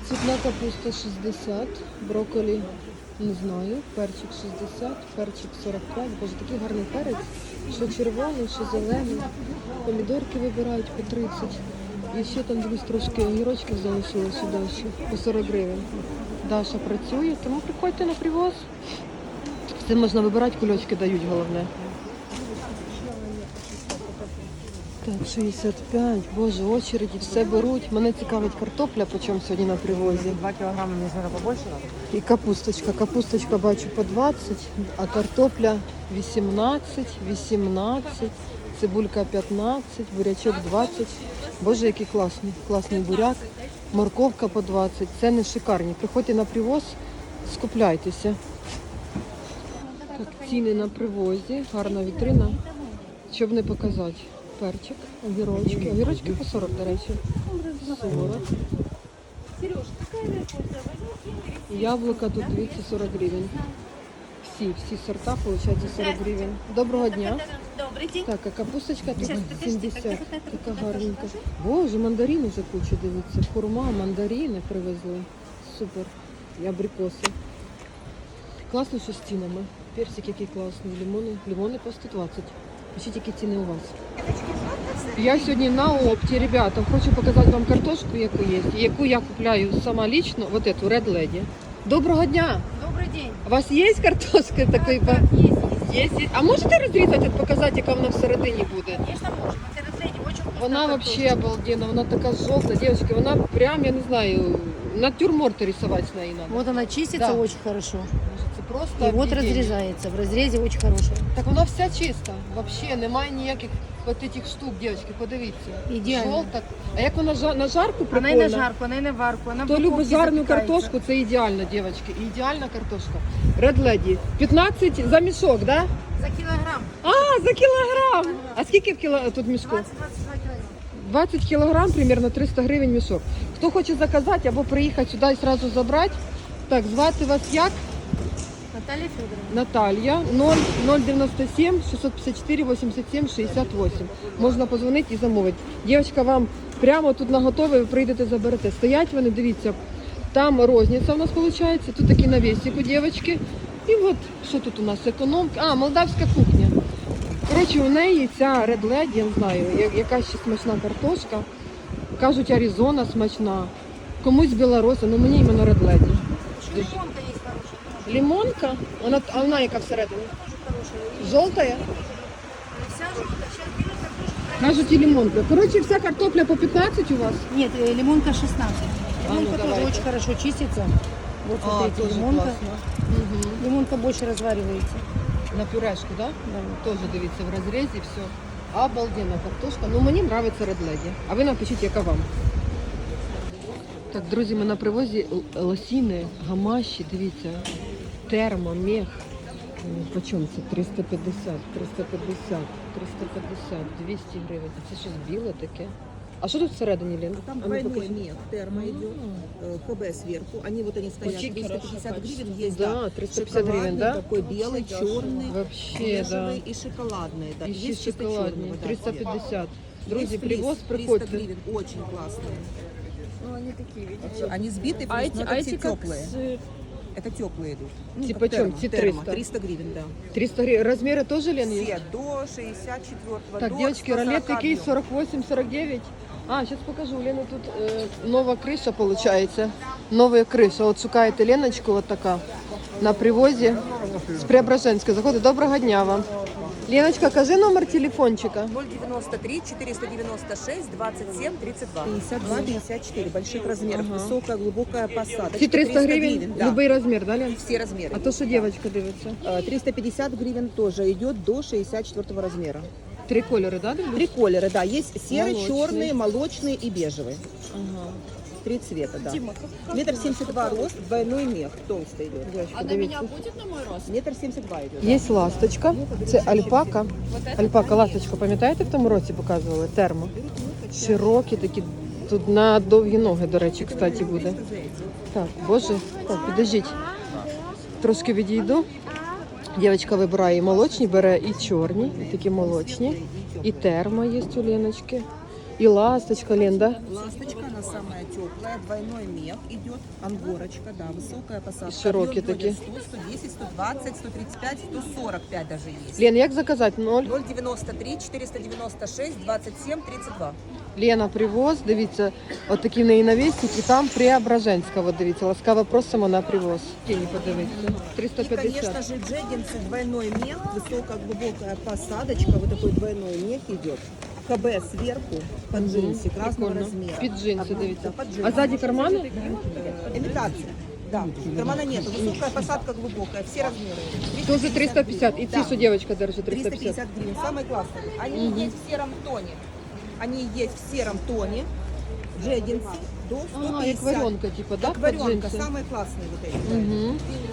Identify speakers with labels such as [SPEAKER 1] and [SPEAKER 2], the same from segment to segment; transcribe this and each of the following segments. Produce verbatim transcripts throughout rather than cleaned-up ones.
[SPEAKER 1] Цвітна капуста шістдесят, брокколі не знаю, перчик шістдесят, перчик сорок п'ять. Боже, такий гарний перець, що червоний, що зелений. Помідорки вибирають по тридцять. І ще там дивись трошки огірочків залишилося далі, по сорок гривень. Даша працює, тому приходьте на привоз. Все можна вибирати, кульочки дають, головне. Так, шістдесят п'ять, боже, очереді, все беруть. Мене цікавить картопля, по чому сьогодні на привозі.
[SPEAKER 2] два килограмма, мне наверное, побольше надо.
[SPEAKER 1] І капусточка. Капусточка бачу по двадцять, а картопля вісімнадцять, вісімнадцять, цибулька п'ятнадцять, бурячок двадцять. Боже, який класний, класний буряк. Морковка по двадцять. Це не шикарні. Приходьте на привоз, скупляйтеся. Так, ціни на привозі, гарна вітрина. Щоб не показати. Перчик, огірочки. Огірочки по сорок, до речі. сорок. Яблука тут двісті сорок гривень. Всі, всі сорта, виходить, сорок гривень. Доброго дня.
[SPEAKER 3] Добрий день.
[SPEAKER 1] Так, а капусточка тут сімдесят. Така гарненька. Боже, мандарини вже куча, дивіться. Хурма, мандарини привезли. Супер. І абрикоси. Класно, що з цінами. Персик який класний. Лимони, лимони по сто двадцять. Пишіть, які ціни у вас. Я сьогодні на опті, ребята, хочу показати вам картошку, яку є, яку я купляю сама лично, вот эту Red Lady. Доброго дня!
[SPEAKER 3] Добрий день.
[SPEAKER 1] У вас є картошка такої?
[SPEAKER 3] Так, є, є.
[SPEAKER 1] Є, є. А можете розрізати, показати, яка вона всередині буде?
[SPEAKER 3] Звісно, можемо. Це розглядні, дуже вкусна
[SPEAKER 1] Вона
[SPEAKER 3] картошка.
[SPEAKER 1] вообще обалденна, вона така жовта, дівчатки, вона прям, я не знаю, натюрморт рисувати з неї треба.
[SPEAKER 2] Вот она чистится
[SPEAKER 1] Да.
[SPEAKER 2] очень хорошо.
[SPEAKER 1] Це просто
[SPEAKER 2] И вот
[SPEAKER 1] об'єднання.
[SPEAKER 2] разрезается. В разрезе очень хорошая.
[SPEAKER 1] Так вона вся чиста, вообще немає ніяких от этих штук, дівчатки, подивіться.
[SPEAKER 2] Ідеально.
[SPEAKER 1] Жовта. А як вона жа- на жарку
[SPEAKER 2] Она
[SPEAKER 1] прикольно?
[SPEAKER 2] и на жарку, она и на варку. Она в
[SPEAKER 1] Хто
[SPEAKER 2] духовке
[SPEAKER 1] любить жарну
[SPEAKER 2] запекается.
[SPEAKER 1] картошку, це ідеально, дівчатки. Ідеальна картошка. Red Lady. п'ятнадцять за мішок, да?
[SPEAKER 3] За кілограм.
[SPEAKER 1] А, за кілограм! А скільки в кіло... тут мішку?
[SPEAKER 3] двадцять-двадцять два кілограм.
[SPEAKER 1] двадцять кілограм, примерно триста гривень мішок. Хто хоче заказати або приїхати сюди і одразу забрати, так, звати вас як?
[SPEAKER 2] Наталья Федоровна.
[SPEAKER 1] Наталья, ноль дев'яносто сім шістсот п'ятдесят чотири вісімдесят сім шістдесят вісім. Можна позвонити і замовити. Дівчинка вам прямо тут наготове, ви прийдете, заберете. Стоять вони, дивіться, там розниця у нас виходить, тут такі навісик у дівчинки. І от, що тут у нас, економка, а, молдавська кухня. Коротше, у неї ця Red Lady, я не знаю, я- яка ще смачна картошка. Кажуть, Аризона смачна. Комусь Білоруса, ну мені іменно Red Lady.
[SPEAKER 3] Лимонка є хороша.
[SPEAKER 1] Лимонка, вона, а вона яка всередині?
[SPEAKER 3] Хороша.
[SPEAKER 1] Жовтая?
[SPEAKER 3] Вся жовта. Зараз беруть картошку.
[SPEAKER 1] Кажуть, і лимонка. Коротше, вся картопля по п'ятнадцять у вас?
[SPEAKER 2] Нет, э, лимонка шестнадцать.
[SPEAKER 1] А, ну,
[SPEAKER 2] Лимонка тоже
[SPEAKER 1] давайте.
[SPEAKER 2] очень хорошо чистится. Вот смотрите, лимонка.
[SPEAKER 1] Угу.
[SPEAKER 2] Лимонка больше разваривается.
[SPEAKER 1] На пюрешку, да?
[SPEAKER 2] Да.
[SPEAKER 1] Теж дивіться, в розрізі все. Обалденна картошка. Ну мені подобається Red Lady. А ви напишіть, яка вам. Так, друзі, ми на привозі л- лосіни, гамаші, дивіться. Термо, мех. М, По чому це? триста п'ятдесят, триста п'ятдесят, триста п'ятдесят, двісті гривень. А це щось біле таке. А що тут всередині, Лен?
[SPEAKER 4] Там
[SPEAKER 1] А ну,
[SPEAKER 4] двойной
[SPEAKER 1] покажи.
[SPEAKER 4] мех, термо идет, э, ХБ сверху. Они вот они стоят,
[SPEAKER 1] Очень
[SPEAKER 4] триста пятьдесят
[SPEAKER 1] хорошее
[SPEAKER 4] гривен есть,
[SPEAKER 1] Да,
[SPEAKER 4] да.
[SPEAKER 1] триста п'ятдесят гривен,
[SPEAKER 4] Шоколадный
[SPEAKER 1] да?
[SPEAKER 4] такой, белый, черный,
[SPEAKER 1] Вообще, да.
[SPEAKER 4] бежевый и шоколадный. Да.
[SPEAKER 1] І ще
[SPEAKER 4] Есть чисто
[SPEAKER 1] шоколадні.
[SPEAKER 4] черного, да,
[SPEAKER 1] триста
[SPEAKER 4] цвет.
[SPEAKER 1] п'ятдесят.
[SPEAKER 4] Есть
[SPEAKER 1] Друзі,
[SPEAKER 4] флис,
[SPEAKER 1] привоз,
[SPEAKER 4] триста
[SPEAKER 1] приходьте.
[SPEAKER 4] гривен, очень классные.
[SPEAKER 3] Ну, вони такі, видите.
[SPEAKER 4] Они сбиты,
[SPEAKER 3] А
[SPEAKER 4] флис,
[SPEAKER 3] эти,
[SPEAKER 4] но
[SPEAKER 3] а
[SPEAKER 4] это
[SPEAKER 3] эти
[SPEAKER 4] все
[SPEAKER 3] как
[SPEAKER 4] теплые.
[SPEAKER 3] с...
[SPEAKER 4] Это теплые идут. Ну,
[SPEAKER 1] Типа
[SPEAKER 4] как
[SPEAKER 1] чем?
[SPEAKER 4] термо,
[SPEAKER 1] Те
[SPEAKER 4] термо,
[SPEAKER 1] триста?
[SPEAKER 4] триста гривен, да.
[SPEAKER 1] триста гривень. Розміри теж, Лен, є?
[SPEAKER 4] Все, до шестьдесят четвёртого,
[SPEAKER 1] Так,
[SPEAKER 4] до
[SPEAKER 1] девочки,
[SPEAKER 4] сто
[SPEAKER 1] ролет
[SPEAKER 4] сорока
[SPEAKER 1] який
[SPEAKER 4] днём.
[SPEAKER 1] сорок вісім сорок дев'ять. А, зараз покажу. У Лени тут е, нова криша, виходить. Нова криша. От шукаєте Леночку, от така, на привозі з Преображенська. Заходить. Доброго дня вам. Леночка, кажи номер телефончика.
[SPEAKER 4] ноль девяносто три четыреста девяносто шесть двадцать семь тридцать два. пятьдесят два пятьдесят четыре больших размеров.
[SPEAKER 1] Ага.
[SPEAKER 4] Высокая, глубокая посадка.
[SPEAKER 1] Ці триста гривень,
[SPEAKER 4] да.
[SPEAKER 1] любий розмір, да, Лен?
[SPEAKER 4] Все размеры.
[SPEAKER 1] А то, що дівчинка дивиться.
[SPEAKER 4] Э, триста пятьдесят гривен тоже идет до шестьдесят четвёртого размера.
[SPEAKER 1] Три кольори, да, дивлюсь?
[SPEAKER 4] Три колера, да, есть серый,
[SPEAKER 1] Молочный.
[SPEAKER 4] черный, молочный и бежевый.
[SPEAKER 1] Ага.
[SPEAKER 4] Три цвета, да. Метр семьдесят два рост, двойной мех, толстый идет.
[SPEAKER 1] Дівчинка, дивіться.
[SPEAKER 3] будет на мой рост?
[SPEAKER 4] Метр семьдесят два идет.
[SPEAKER 1] Є ласточка, це альпака. Альпака, ласточку, пам'ятаєте, в тому році показували? Термо. Широкі такі, тут на довгі ноги, до речі, кстати, буде. Так, боже, так, підождіть. Трошки відійду. Дівчинка вибирає і молочні, бере і чорні, і такі молочні. І термо є у Леночки. И ласточка, Лен, да?
[SPEAKER 4] Ласточка, она самая теплая, двойной мех идет, ангорочка, да, высокая посадка.
[SPEAKER 1] Широкие
[SPEAKER 4] Объем
[SPEAKER 1] такие.
[SPEAKER 4] сто, сто десять, сто двадцать, сто тридцать пять, сто сорок пять даже есть.
[SPEAKER 1] Лен, як заказать? Ноль.
[SPEAKER 4] ноль девяносто три четыреста девяносто шесть двадцать семь тридцать два.
[SPEAKER 1] Лена привоз, дивіться, от такі в неї навісники, там Преображенська, от дивіться, ласкаво просимо на привоз. Тіні подивіться, триста
[SPEAKER 4] И, конечно
[SPEAKER 1] п'ятдесят.
[SPEAKER 4] же, джеггинсы, двойной мех, высокая глубокая посадочка, вот такой двойной мех идет. КБ сверху, под джинсик разного
[SPEAKER 1] Прикольно.
[SPEAKER 4] размера.
[SPEAKER 1] Під джинси,
[SPEAKER 4] Одно-
[SPEAKER 1] дивіться.
[SPEAKER 4] да, под джинсы.
[SPEAKER 1] А ззаді кармани?
[SPEAKER 4] Э, Имитация. Да, кармана нету, высокая посадка глубокая, все размеры.
[SPEAKER 1] Тоже триста п'ятдесят. І ці,
[SPEAKER 4] Да.
[SPEAKER 1] що дівчинка держить, триста
[SPEAKER 4] триста
[SPEAKER 1] п'ятдесят.
[SPEAKER 4] пятьдесят гривен, самые классные. Они есть в сером тоне. Они есть в сером тоне. Джеггинсы до сто
[SPEAKER 1] А,
[SPEAKER 4] пятьдесят.
[SPEAKER 1] як варіонка, типу, да?
[SPEAKER 4] Как
[SPEAKER 1] під
[SPEAKER 4] варенка,
[SPEAKER 1] джинси?
[SPEAKER 4] самые классные вот эти.
[SPEAKER 1] Угу.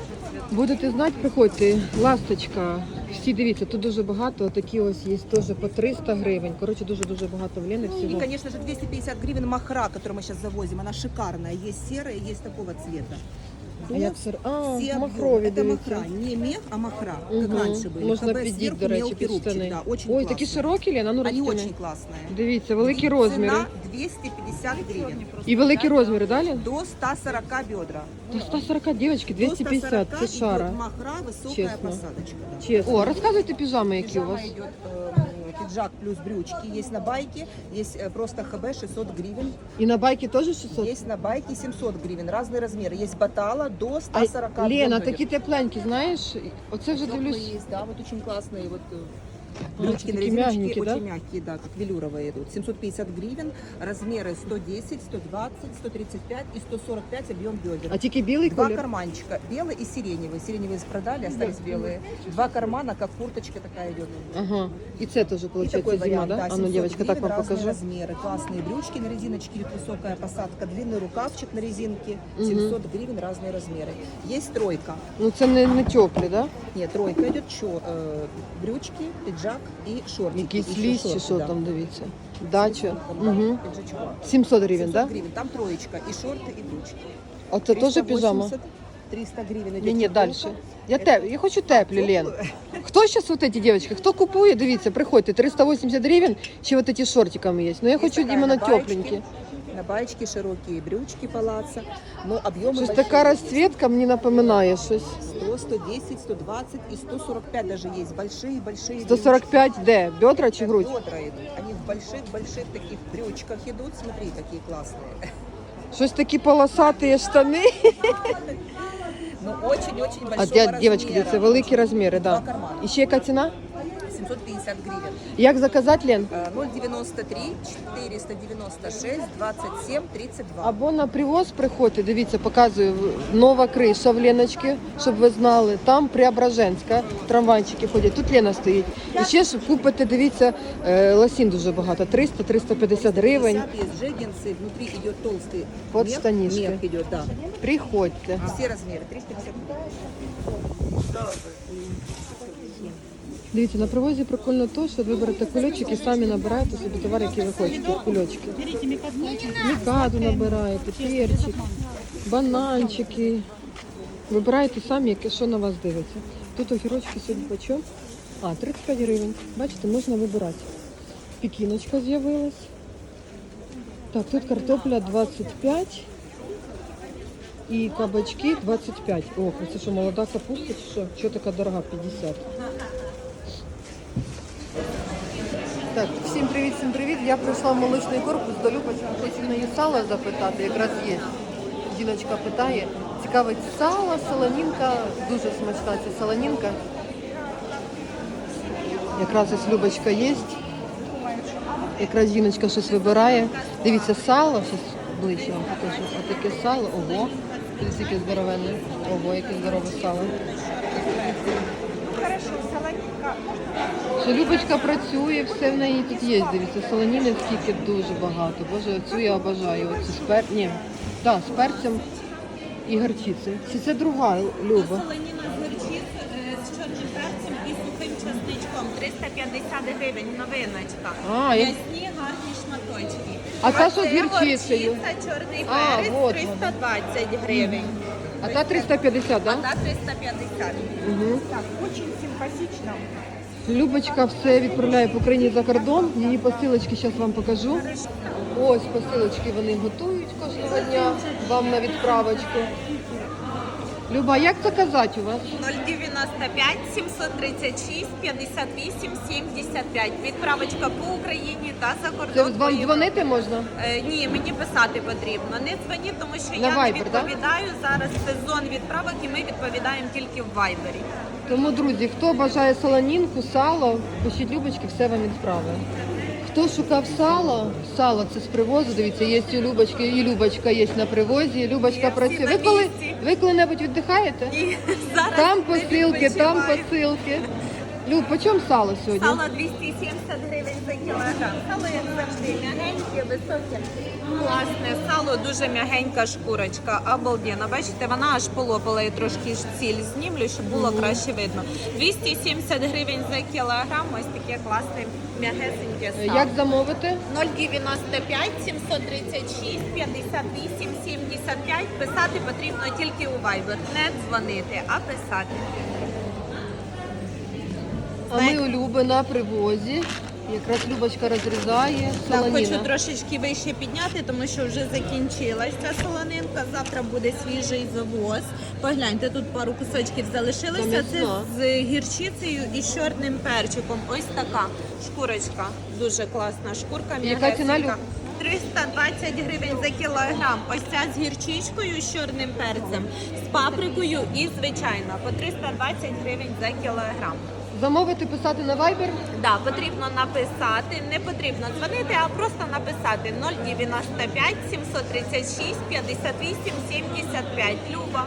[SPEAKER 1] Будете знати, приходьте. Ласточка. Всі дивіться, тут дуже багато. Такі ось є теж по триста гривень. Коротше, дуже-дуже багато в Лени
[SPEAKER 4] И,
[SPEAKER 1] всього.
[SPEAKER 4] конечно же, двести пятьдесят гривен махра, которую мы сейчас завозим. Она шикарная. Есть серая, есть такого цвета.
[SPEAKER 1] А як сир? А,
[SPEAKER 4] Все
[SPEAKER 1] махрові,
[SPEAKER 4] объемы. Это
[SPEAKER 1] дивіться.
[SPEAKER 4] махра. Не мех, а махра,
[SPEAKER 1] Мгм.
[SPEAKER 4] как раньше были.
[SPEAKER 1] Можна
[SPEAKER 4] КБ
[SPEAKER 1] підіть,
[SPEAKER 4] сверху,
[SPEAKER 1] до речі,
[SPEAKER 4] мелкий
[SPEAKER 1] під
[SPEAKER 4] рубчик,
[SPEAKER 1] штани.
[SPEAKER 4] да, очень
[SPEAKER 1] Ой,
[SPEAKER 4] классные.
[SPEAKER 1] такі широкі, Лена, ну
[SPEAKER 4] Они
[SPEAKER 1] розтяни.
[SPEAKER 4] очень классные.
[SPEAKER 1] Дивіться, великі
[SPEAKER 4] Цена
[SPEAKER 1] розміри.
[SPEAKER 4] двести пятьдесят гривен.
[SPEAKER 1] І великі розміри, далі?
[SPEAKER 4] До ста сорока бедра.
[SPEAKER 1] До сто сорок, дівчатки, двісті
[SPEAKER 4] До
[SPEAKER 1] п'ятдесят,
[SPEAKER 4] ста
[SPEAKER 1] це
[SPEAKER 4] сорока
[SPEAKER 1] шара.
[SPEAKER 4] идет махра, высокая
[SPEAKER 1] Честно.
[SPEAKER 4] посадочка. Да.
[SPEAKER 1] Чесно. О, розказуйте піжами, які у вас.
[SPEAKER 4] Пижама идет э, пиджак плюс брючки. Есть на байке, есть э, просто ХБ шестьсот гривен.
[SPEAKER 1] І на байки теж шістсот?
[SPEAKER 4] Есть на байке семьсот гривен. Разные размеры. Есть батала до ста
[SPEAKER 1] А,
[SPEAKER 4] сорока.
[SPEAKER 1] Лена,
[SPEAKER 4] объем
[SPEAKER 1] такі
[SPEAKER 4] идет.
[SPEAKER 1] тепленькі, знаєш? Оце вже
[SPEAKER 4] Теплые
[SPEAKER 1] дивлюсь.
[SPEAKER 4] есть, да, вот очень классные. Вот, э,
[SPEAKER 1] А,
[SPEAKER 4] брючки на
[SPEAKER 1] такие
[SPEAKER 4] резиночке,
[SPEAKER 1] мягенькие, да?
[SPEAKER 4] очень мягкие, да, как велюровые идут. семьсот пятьдесят гривен, размеры сто десять, сто двадцать, сто тридцать пять и сто сорок пять объем бедер.
[SPEAKER 1] А тільки білий
[SPEAKER 4] Два
[SPEAKER 1] колір?
[SPEAKER 4] карманчика, белый и сиреневый. Сиреневые продали, остались белые. Два кармана, как курточка такая идет.
[SPEAKER 1] Ага. І це теж,
[SPEAKER 4] И
[SPEAKER 1] виходить,
[SPEAKER 4] такой
[SPEAKER 1] зима,
[SPEAKER 4] вариант,
[SPEAKER 1] да?
[SPEAKER 4] да,
[SPEAKER 1] А ну,
[SPEAKER 4] семьсот
[SPEAKER 1] дівчатка, так
[SPEAKER 4] гривен,
[SPEAKER 1] вам
[SPEAKER 4] разные
[SPEAKER 1] покажу.
[SPEAKER 4] размеры. Классные брючки на резиночке, идет высокая посадка, длинный рукавчик на резинке,
[SPEAKER 1] Мгм.
[SPEAKER 4] семьсот гривен, разные размеры. Есть тройка.
[SPEAKER 1] Ну це не, не теплі, да?
[SPEAKER 4] Нет, тройка идет чё, э, брючки, пиджак и шортики.
[SPEAKER 1] Якісь
[SPEAKER 4] Еще
[SPEAKER 1] ліс чи
[SPEAKER 4] шорты,
[SPEAKER 1] що
[SPEAKER 4] да.
[SPEAKER 1] там, дивіться. Дача.
[SPEAKER 4] Да,
[SPEAKER 1] Угу.
[SPEAKER 4] пиджачок.
[SPEAKER 1] сімсот гривень,
[SPEAKER 4] семьсот
[SPEAKER 1] да?
[SPEAKER 4] гривен, там троечка, и шорты, и брючки.
[SPEAKER 1] А це теж піжама?
[SPEAKER 4] триста гривен идет.
[SPEAKER 1] Ні, ні,
[SPEAKER 4] футболка.
[SPEAKER 1] далі. Я, теп... я хочу теплі, Лен. Хто зараз вот эти девочки? Хто купує? Дивіться, приходьте. триста вісімдесят гривень, чи вот эти з шортиками є. Ну я
[SPEAKER 4] Есть
[SPEAKER 1] хочу
[SPEAKER 4] такая
[SPEAKER 1] іменно
[SPEAKER 4] на баечке,
[SPEAKER 1] тепленькі.
[SPEAKER 4] На баечке широкие брючки палаца, но объемы
[SPEAKER 1] Щось
[SPEAKER 4] большие.
[SPEAKER 1] така розцвітка мені напоминає щось.
[SPEAKER 4] сто, сто десять, сто двадцать и сто сорок пять даже есть. Большие-большие
[SPEAKER 1] сто сорок п'ять де? Бедра чи грудь?
[SPEAKER 4] Бедра идут. Они в больших-больших таких брючках идут. Смотри, какие классные.
[SPEAKER 1] Щось такі полосаті штани.
[SPEAKER 4] Ну, очень-очень большого
[SPEAKER 1] А
[SPEAKER 4] размера.
[SPEAKER 1] дя- дівчатки, дивіться, великі розміри,
[SPEAKER 4] Два
[SPEAKER 1] да.
[SPEAKER 4] кармана.
[SPEAKER 1] І ще яка ціна?
[SPEAKER 4] семьсот пятьдесят гривен.
[SPEAKER 1] Як заказати, Лен?
[SPEAKER 4] Э, ноль девяносто три четыреста девяносто шесть двадцать семь тридцать два.
[SPEAKER 1] Або на привоз приходьте, дивіться, показую, нова криша в Леночки, щоб ви знали. Там Преображенська, трамвайчики ходять, тут Лена стоїть. І ще ж купите, дивіться, е, лосін дуже багато, триста - триста п'ятдесят гривень.
[SPEAKER 4] Есть джеггинсы, внутри идет толстый
[SPEAKER 1] Под
[SPEAKER 4] мех.
[SPEAKER 1] штанишки.
[SPEAKER 4] Мех идет, да.
[SPEAKER 1] Приходьте.
[SPEAKER 4] Все размеры, триста пятьдесят гривен.
[SPEAKER 1] Дивіться, на привозі прикольно то, що ви берете кульочок і самі набираєте собі товар, який ви хочете, кульочки. Мікаду набираєте, перчик, бананчики. Вибираєте самі, яке що на вас дивиться. Тут огірочки сьогодні по чому? А, тридцять п'ять гривень. Бачите, можна вибирати. Пекіночка з'явилась. Так, тут картопля двадцять п'ять і кабачки двадцять п'ять. Ох, це що, молода капуста чи що? Чого така дорога? п'ятдесят. Так, всім привіт, всім привіт. Я прийшла в молочний корпус до Любочки, хочу в неї сало запитати, якраз є. Жіночка питає, цікавить сало, солонінка, дуже смачна ця солонінка. Якраз ось Любочка є. Якраз жіночка щось вибирає. Дивіться, сало, щось ближче вам покажу. А таке сало, ого, дивіться, яке здоровенне. Ого, яке здорове сало. Що Любочка працює, все в неї тут є. Дивіться, солоніни скільки дуже багато. Боже, цю я обожаю. Оцю з пер... Ні, да, з перцем і горчицею. Чи це друга, Люба?
[SPEAKER 5] Солоніна з горчиц з чорним перцем і сухим часничком. триста п'ятдесят гривень, новиночка.
[SPEAKER 1] А, я-
[SPEAKER 5] М'ясні гарні шматочки.
[SPEAKER 1] А та, що з
[SPEAKER 5] це
[SPEAKER 1] гірчицею?
[SPEAKER 5] горчиця, чорний
[SPEAKER 1] А,
[SPEAKER 5] перець,
[SPEAKER 1] вот
[SPEAKER 5] триста двадцять гривень.
[SPEAKER 1] А та триста п'ятдесят,
[SPEAKER 5] А
[SPEAKER 1] так? Да?
[SPEAKER 5] та триста п'ятдесят.
[SPEAKER 1] Угу.
[SPEAKER 5] Так, дуже симпатично.
[SPEAKER 1] Любочка все відправляє по Україні за кордон. Її посилочки зараз вам покажу. Ось посилочки вони готують кожного дня вам на відправочку. Люба, як заказати у вас?
[SPEAKER 5] нуль дев'яносто п'ять сімсот тридцять шість п'ятдесят вісім сімдесят п'ять. Відправочка по Україні та за
[SPEAKER 1] Це
[SPEAKER 5] кордон.
[SPEAKER 1] вам
[SPEAKER 5] Поїм-
[SPEAKER 1] дзвонити можна?
[SPEAKER 5] Е, ні, мені писати потрібно. Не дзвоніть, тому що
[SPEAKER 1] На
[SPEAKER 5] я
[SPEAKER 1] Viber,
[SPEAKER 5] не відповідаю. Зараз сезон відправок і ми відповідаємо тільки в Вайбері.
[SPEAKER 1] Тому, друзі, хто бажає солонінку, сало, пишіть Любочки, все вам відправить. Хто шукав сало, сало це з привозу, дивіться, є і у Любочки, і Любочка є на привозі, Любочка
[SPEAKER 5] Є, всі
[SPEAKER 1] працює.
[SPEAKER 5] на
[SPEAKER 1] Ви коли,
[SPEAKER 5] місці.
[SPEAKER 1] ви коли-небудь віддихаєте?
[SPEAKER 5] І зараз
[SPEAKER 1] Там
[SPEAKER 5] не
[SPEAKER 1] посилки, там
[SPEAKER 5] відпочиваю.
[SPEAKER 1] посилки. Люб, по чому сало сьогодні?
[SPEAKER 5] Сало двісті сімдесят гривень за кілограм. Сало, як завжди, м'ягеньке, високе. Класне сало, дуже м'ягенька шкурочка. Обалденно. Бачите, вона аж полопала. Я трошки ж ціль знімлю, щоб було краще видно. двісті сімдесят гривень за кілограм. Ось таке класне м'ягесеньке сало.
[SPEAKER 1] Як замовити?
[SPEAKER 5] нуль дев'яносто п'ять сімсот тридцять шість п'ятдесят вісім сімдесят п'ять. Писати потрібно тільки у Viber. Не дзвонити, а писати.
[SPEAKER 1] А ми у Люби на привозі. Якраз Любочка розрізає
[SPEAKER 5] Так, хочу
[SPEAKER 1] солоніна.
[SPEAKER 5] трошечки вище підняти, тому що вже закінчилась ця солонинка. Завтра буде свіжий завоз. Погляньте, тут пару кусочків залишилося. Це
[SPEAKER 1] м'ясна.
[SPEAKER 5] з гірчицею і з чорним перчиком. Ось така шкурочка. Дуже класна шкурка.
[SPEAKER 1] Яка ціна,
[SPEAKER 5] м'ягесенька.
[SPEAKER 1] Люб?
[SPEAKER 5] триста двадцять гривень за кілограм. Ось ця з гірчичкою, з чорним перцем, з паприкою і звичайно по триста двадцять гривень за кілограм.
[SPEAKER 1] Замовити, писати на Viber?
[SPEAKER 5] Да, потрібно написати, не потрібно дзвонити, а просто написати нуль дев'яносто п'ять сімсот тридцять шість п'ятдесят вісім сімдесят п'ять. Люба.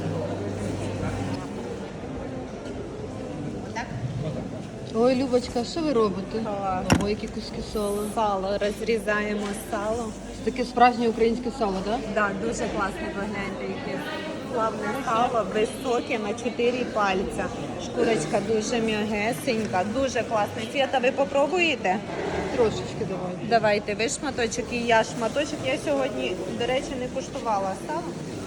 [SPEAKER 1] Ой, Любочка, що ви робите? Ой, які куски сала.
[SPEAKER 5] Сало, розрізаємо сало.
[SPEAKER 1] Таке справжнє українське сало, так?
[SPEAKER 5] Да, дуже класно, погляньте, яке славне сало, високе на чотири пальця. Шкурочка дуже м'ягесенька, дуже класна. Свята, ви попробуєте?
[SPEAKER 1] Трошечки давай.
[SPEAKER 5] Давайте, ви шматочок і я шматочок. Я сьогодні, до речі, не куштувала сало.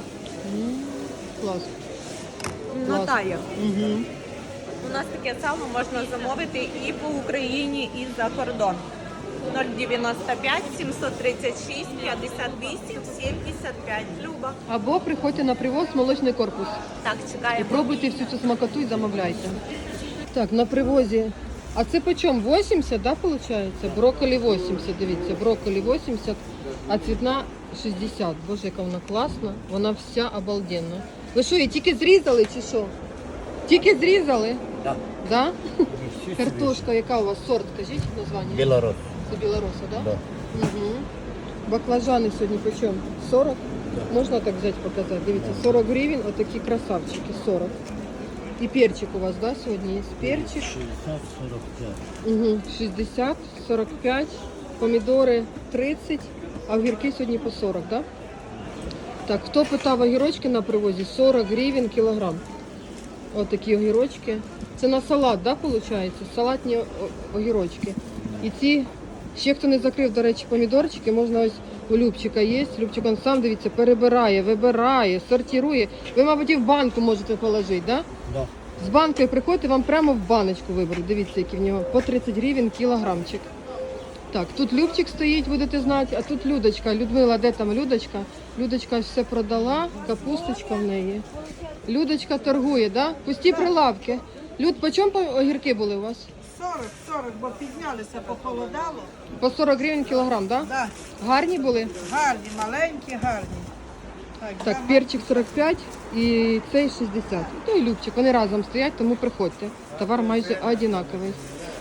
[SPEAKER 1] Клас.
[SPEAKER 5] Натає.
[SPEAKER 1] Угу.
[SPEAKER 5] У нас таке сало можна замовити і по Україні, і за кордон. нуль дев'яносто п'ять сімсот тридцять шість п'ятдесят вісім сімдесят п'ять. Люба.
[SPEAKER 1] Або приходьте на привоз молочний корпус.
[SPEAKER 5] Так,
[SPEAKER 1] І
[SPEAKER 5] чекаємо.
[SPEAKER 1] пробуйте всю цю смакоту і замовляйте. Так, на привозі. А це по чому? вісімдесят, да, виходить? Брокколі вісімдесят, дивіться, брокколі вісімдесят, а цвітна шістдесят. Боже, яка вона класна. Вона вся обалденна. Ви що, її тільки зрізали чи що? Тільки зрізали?
[SPEAKER 6] Так.
[SPEAKER 1] Да? Картошка, яка у вас сорт, скажіть названня?
[SPEAKER 6] Білорус.
[SPEAKER 1] Це білороса, да?
[SPEAKER 6] Да.
[SPEAKER 1] Угу. Баклажани сьогодні по чому? сорок? Можна так взяти показати? Дивіться, сорок гривень, отакі красавчики, сорок. І перчик у вас, да, сьогодні є? Перчик.
[SPEAKER 6] шістдесят сорок п'ять.
[SPEAKER 1] Угу. шістдесят, сорок п'ять, помідори тридцять, а огірки сьогодні по сорок, да? Так, хто питав огірочки на привозі? сорок гривень кілограм. Ось такі огірочки. Це на салат, да, виходить? Салатні о- огірочки. І ці, ще хто не закрив, до речі, помідорчики, можна ось у Любчика є. Любчик он сам, дивіться, перебирає, вибирає, сортирує. Ви, мабуть, і в банку можете положити, да?
[SPEAKER 6] Да.
[SPEAKER 1] З банкою приходите, вам прямо в баночку виберуть. Дивіться, які в нього по тридцять гривень кілограмчик. Так, тут Любчик стоїть, будете знати, а тут Людочка. Людмила, де там Людочка? Людочка все продала, капусточка в неї. Людочка торгує, да? Пусті прилавки. Люд, по чому огірки були у вас?
[SPEAKER 7] сорок, сорок, бо піднялися, похолодало.
[SPEAKER 1] По сорок гривень кілограм, да?
[SPEAKER 7] Да,
[SPEAKER 1] Гарні були?
[SPEAKER 7] гарні, маленькі, гарні. Так,
[SPEAKER 1] Так,
[SPEAKER 7] да,
[SPEAKER 1] перчик сорок п'ять і цей шістдесят. Ну і Любчик, вони разом стоять, тому приходьте. Товар майже однаковий.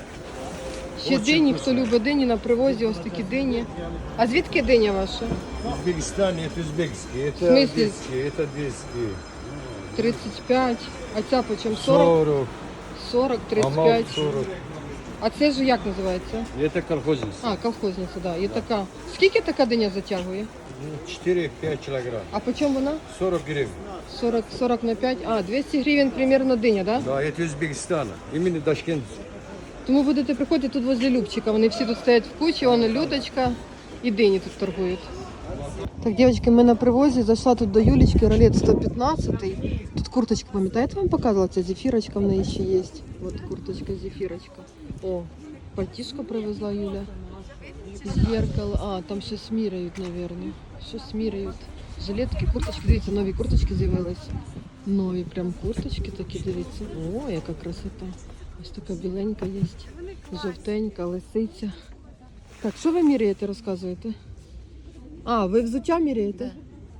[SPEAKER 1] Ще дині, хто любить дині на привозі, ось такі дині. А звідки диня ваша?
[SPEAKER 6] Узбекистан, это узбекский,
[SPEAKER 1] В
[SPEAKER 6] это
[SPEAKER 1] смысле?
[SPEAKER 6] одесский, это одесский.
[SPEAKER 1] тридцять п'ять. А ця по чому? сорок?
[SPEAKER 6] сорок,
[SPEAKER 1] сорок, тридцять
[SPEAKER 6] амал
[SPEAKER 1] п'ять.
[SPEAKER 6] сорок.
[SPEAKER 1] А це ж як називається?
[SPEAKER 6] Это колхозница.
[SPEAKER 1] А, колхозниця, так. Да. І така. Скільки така диня затягує?
[SPEAKER 6] четыре-пять килограмм.
[SPEAKER 1] А по чому вона?
[SPEAKER 6] сорок гривен.
[SPEAKER 1] сорок, сорок на п'ять. А, двісті гривень примерно диня, так? Да?
[SPEAKER 6] Да, это Узбекистана. Именно Ташкент.
[SPEAKER 1] Тому будете приходити тут возле Любчика. Вони всі тут стоять в кучі, вон Людочка і дині тут торгують. Так, дівчатки, ми на привозі, зайшла тут до Юлічки, ролет сто п'ятнадцять. Тут курточка, пам'ятаєте, вам показувала, ця зефірочка в неї ще є. От курточка, зефірочка. О, пальтішко привезла Юля. Зеркало, а, там щось міряють, мабуть. Щось міряють. Жилетки, курточки, дивіться, нові курточки з'явились. Нові прям курточки такі, дивіться. О, яка красота. Ось така біленька є. Жовтенька, лисиця. Так, що ви міряєте, розказуєте? А, ви взуття міряєте?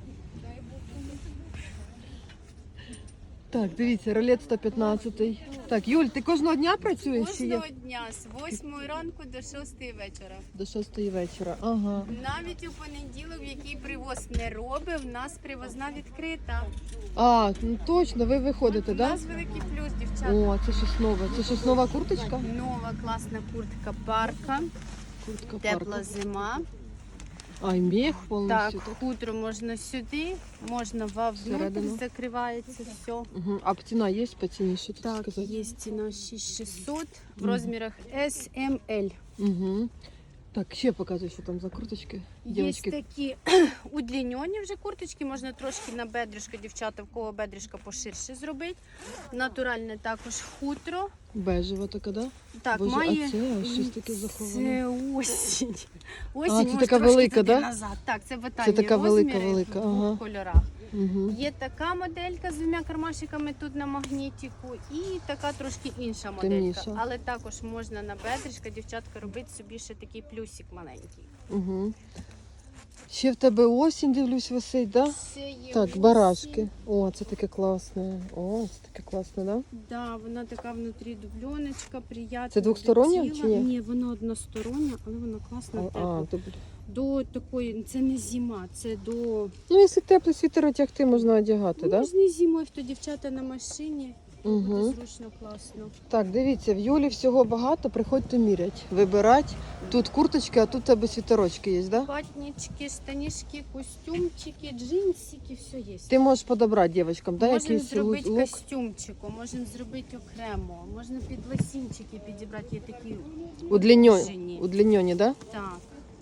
[SPEAKER 1] Так, дивіться, ролет сто п'ятнадцять. Так, Юль, ти кожного дня працюєш чи як?
[SPEAKER 8] Кожного дня з восьмої ранку до шостої вечора.
[SPEAKER 1] До шостої вечора. Ага.
[SPEAKER 8] Навіть у понеділок, в який привоз не робив, в нас привозна відкрита.
[SPEAKER 1] А, ну точно, ви виходите,
[SPEAKER 8] У
[SPEAKER 1] так?
[SPEAKER 8] нас великий плюс, дівчата.
[SPEAKER 1] О, це щось нове. Це щось нова курточка?
[SPEAKER 8] Нова класна куртка парка,
[SPEAKER 1] Куртка
[SPEAKER 8] тепла
[SPEAKER 1] парка.
[SPEAKER 8] зима.
[SPEAKER 1] А, і мех
[SPEAKER 8] Так,
[SPEAKER 1] повністю. Так.
[SPEAKER 8] хутро можна сюди, можна вовнутрь,
[SPEAKER 1] Всередину.
[SPEAKER 8] закривається все.
[SPEAKER 1] Угу. А ціна є по ціні, що тут
[SPEAKER 8] Так,
[SPEAKER 1] сказати?
[SPEAKER 8] є ціна шість тисяч шістсот в розмірах ес ем ель.
[SPEAKER 1] Угу. Так, ще показуй, що там за курточки.
[SPEAKER 8] Є
[SPEAKER 1] Дівчатки,
[SPEAKER 8] такі удліньоні вже курточки, можна трошки на бедришко, дівчата, в кого бедришко поширше зробити. Натуральне також хутро.
[SPEAKER 1] бежева така, да?
[SPEAKER 8] Так,
[SPEAKER 1] Боже,
[SPEAKER 8] має...
[SPEAKER 1] а це ось щось таке заховане.
[SPEAKER 8] Це осінь. Осінь,
[SPEAKER 1] А, це
[SPEAKER 8] може,
[SPEAKER 1] така
[SPEAKER 8] трошки
[SPEAKER 1] велика,
[SPEAKER 8] туди
[SPEAKER 1] да?
[SPEAKER 8] назад. Так, це батальні
[SPEAKER 1] така велика,
[SPEAKER 8] розміри
[SPEAKER 1] велика,
[SPEAKER 8] в двох
[SPEAKER 1] ага.
[SPEAKER 8] кольорах.
[SPEAKER 1] Угу.
[SPEAKER 8] Є така моделька з двома кармашиками тут на магнітику і така трошки інша моделька.
[SPEAKER 1] Темніша.
[SPEAKER 8] Але також можна на бедришко, дівчатка, робити собі ще такий плюсик маленький.
[SPEAKER 1] Угу. Ще в тебе осінь, дивлюсь, висить, да?
[SPEAKER 8] Це є
[SPEAKER 1] Так,
[SPEAKER 8] осінь.
[SPEAKER 1] барашки. О, це таке класне. О, це таке класне, да?
[SPEAKER 8] Да, вона така внутрі дубльоночка, приятна.
[SPEAKER 1] Це двостороння
[SPEAKER 8] до тіла.
[SPEAKER 1] чи ні?
[SPEAKER 8] Ні, вона одностороння, але вона класна,
[SPEAKER 1] А,
[SPEAKER 8] тепла.
[SPEAKER 1] а, тобі.
[SPEAKER 8] До такої, це не зима, це до...
[SPEAKER 1] Ну, якщо теплий світер одягти, можна одягати, так? Да?
[SPEAKER 8] Можна і зимою, то дівчата на машині.
[SPEAKER 1] Угу.
[SPEAKER 8] Буде зручно, класно.
[SPEAKER 1] Так, дивіться, в Юлі всього багато, приходьте мірять, вибирати. Тут курточки, а тут у тебе світерочки є, да?
[SPEAKER 8] Ватнички, штанишки, костюмчики, джинсики, все є.
[SPEAKER 1] Ти можеш подобрати дівчаткам, да,
[SPEAKER 8] Можемо
[SPEAKER 1] якийсь
[SPEAKER 8] зробити
[SPEAKER 1] лук?
[SPEAKER 8] костюмчику, можемо зробити окремо, можна під лосінчики підібрати, є такі
[SPEAKER 1] Удліньоні,
[SPEAKER 8] Жені.
[SPEAKER 1] удліньоні, да?
[SPEAKER 8] Так.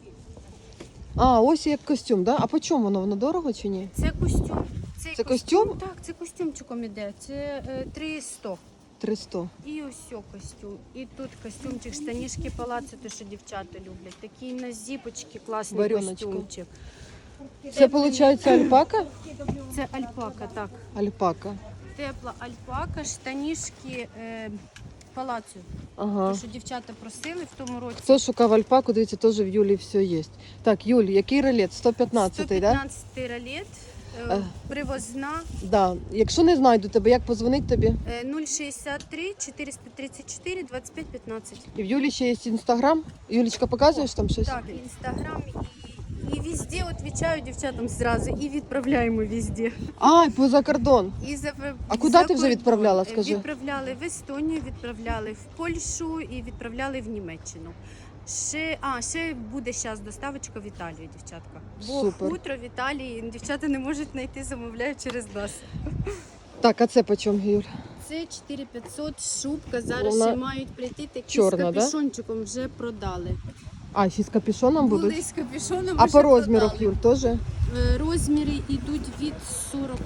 [SPEAKER 1] А, ось як костюм, да? А по чому воно? Воно дорого чи ні?
[SPEAKER 8] Це костюм. Цей
[SPEAKER 1] Це костюм?
[SPEAKER 8] Так, це костюмчиком іде. Це е, три сто.
[SPEAKER 1] триста.
[SPEAKER 8] І ось о костюм. І тут костюмчик, штанішки палаци, те, що дівчата люблять. Такий на зіпочки, класний
[SPEAKER 1] Варіоночка.
[SPEAKER 8] костюмчик.
[SPEAKER 1] Це, виходить, альпака?
[SPEAKER 8] Це альпака, так.
[SPEAKER 1] Альпака.
[SPEAKER 8] Тепла альпака, штанішки е, палацю.
[SPEAKER 1] Ага.
[SPEAKER 8] Те, що дівчата просили в тому році.
[SPEAKER 1] Хто шукав альпаку, дивіться, теж в Юлі все є. Так, Юль, який ролет? сто п'ятнадцять, так? Да?
[SPEAKER 8] сто п'ятнадцятий ролет, е,
[SPEAKER 1] Е.
[SPEAKER 8] привозна,
[SPEAKER 1] Да. Якщо не знайду тебе, як позвонить тобі?
[SPEAKER 8] е, нуль шістдесят три чотириста тридцять чотири двадцять п'ять п'ятнадцять.
[SPEAKER 1] І в Юлі ще є інстаграм. Юлічка, показуєш там щось?
[SPEAKER 8] Так, інстаграм і, і везде відповідаю дівчатам зразу, і відправляємо везде.
[SPEAKER 1] А, і поза кордон.
[SPEAKER 8] І за,
[SPEAKER 1] А куди
[SPEAKER 8] за
[SPEAKER 1] ти вже
[SPEAKER 8] кордон.
[SPEAKER 1] відправляла, скажи?
[SPEAKER 8] Відправляли в Естонію, відправляли в Польщу і відправляли в Німеччину. Ще, а, ще буде зараз доставочка в Італію, дівчатка. Бо
[SPEAKER 1] Супер.
[SPEAKER 8] хутро в Італії дівчата не можуть знайти, замовляють через нас.
[SPEAKER 1] Так, а це по чому, Юль?
[SPEAKER 8] Це чотири п'ятсот шубка, зараз
[SPEAKER 1] Вона
[SPEAKER 8] ще мають прийти такі
[SPEAKER 1] чорна,
[SPEAKER 8] з
[SPEAKER 1] да?
[SPEAKER 8] капюшончиком, вже продали.
[SPEAKER 1] А, ще з капюшоном
[SPEAKER 8] Були
[SPEAKER 1] будуть?
[SPEAKER 8] з капюшоном,
[SPEAKER 1] А
[SPEAKER 8] вже
[SPEAKER 1] по розмірах,
[SPEAKER 8] продали.
[SPEAKER 1] Юль, теж?
[SPEAKER 8] Е, Розміри йдуть від сорок,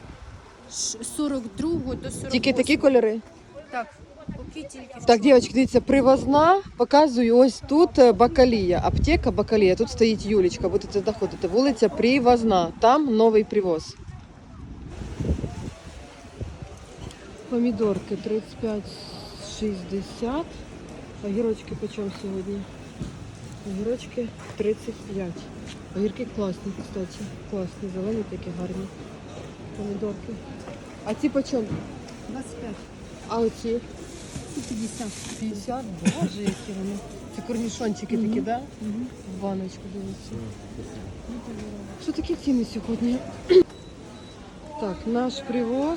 [SPEAKER 8] ш- сорок другого до сорок восьмого.
[SPEAKER 1] Тільки такі кольори?
[SPEAKER 8] Так, поки тільки в
[SPEAKER 1] Так,
[SPEAKER 8] чорному.
[SPEAKER 1] дівчатки, дивіться, привозна, показую, ось тут е, Бакалія, аптека Бакалія, тут стоїть Юлічка, будете заходити, вулиця Привозна, там новий привоз. Помідорки тридцять п'ять шістдесят, огірочки по чому сьогодні? Огірочки тридцять п'ять. Огірки класні, кстати, класні, зелені такі гарні. Помідорки. А ці по чому?
[SPEAKER 2] двадцять п'ять.
[SPEAKER 1] А оці?
[SPEAKER 2] п'ятдесят.
[SPEAKER 1] п'ятдесят, боже, які вони. Це корнішончики такі, да? В баночку дивіться. Що такі ціни сьогодні? Так, наш привоз.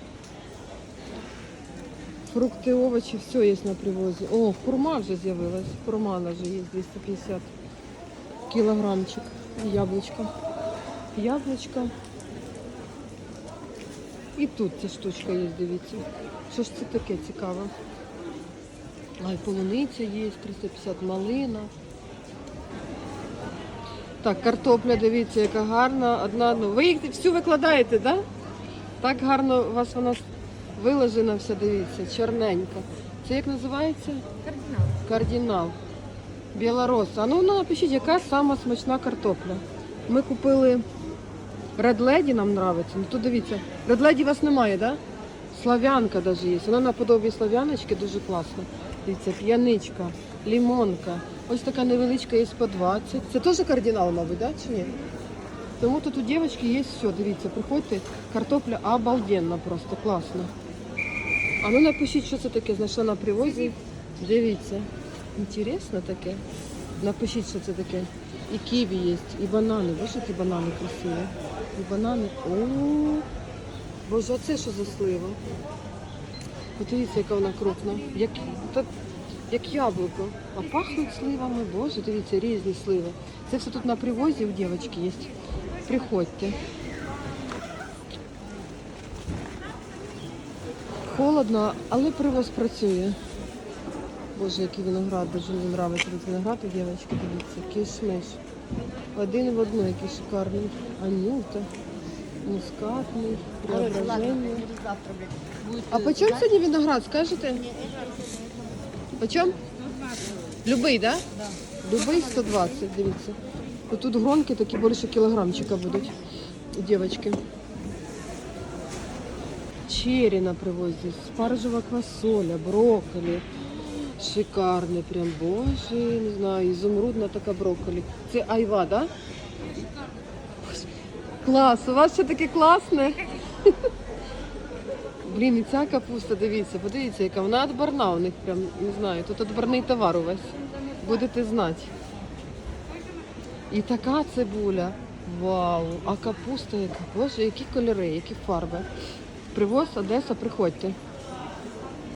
[SPEAKER 1] Фрукти, овочі, все є на привозі. О, хурма вже з'явилась. Хурма вже є двісті п'ятдесят кілограмчик. І яблучко. Яблучко. І тут ця штучка є, дивіться. Що ж це таке цікаве? Ай, полуниця є, триста п'ятдесят малина. Так, картопля, дивіться, яка гарна. Одна, одну. Ви їх всю викладаєте, так? Да? Так гарно у вас вона виложена вся, дивіться, чорненька. Це як називається?
[SPEAKER 3] Кардинал.
[SPEAKER 1] Кардинал. Білороса. А ну, ну напишіть, яка сама смачна картопля. Ми купили Red Lady, нам подобається. Ну тут дивіться, Red Lady у вас немає, так? Да? Слав'янка навіть є. Вона наподобі слав'яночки, дуже класна. Дивіться, п'яничка, лимонка. Ось така невеличка є по двадцять. Це теж кардинал, мабуть, да? Чи ні? Тому тут у дівчинки є все, дивіться, приходьте, картопля обалденна просто, класна. А ну напишіть, що це таке, знайшла на привозі. Дивіться, інтересно таке. Напишіть, що це таке. І ківі є, і банани. Боже, які банани красиві. І банани. О, Боже, а це що за слива? Подивіться, яка вона крупна. Як, та, як яблуко. А пахнуть сливами. Боже, дивіться, різні сливи. Це все тут на привозі у дівчинки є. Приходьте. Холодно, але привоз працює. Боже, який виноград, дуже мені подобається виноград у дівчинки, дивіться, кишмиш. Один в одну, який шикарний. Анюта, мускатний, преображення. А по чому сьогодні виноград, скажете? По чому? Любий, так? Да? Любий сто двадцять, дивіться. Тут гронки такі більше кілограмчика будуть у дівчинки. Чері на привозі, спаржева квасоля, брокколі. Шикарний прям, боже, не знаю, ізумрудна така брокколі. Це айва, так? Да? Клас, у вас ще таке класне. Блін, і ця капуста, дивіться, подивіться, яка вона відборна у них прям, не знаю, тут відборний товар увесь. Будете знати. І така цибуля. Вау! А капуста яка? Боже, які кольори, які фарби. Привоз Одеса, приходьте.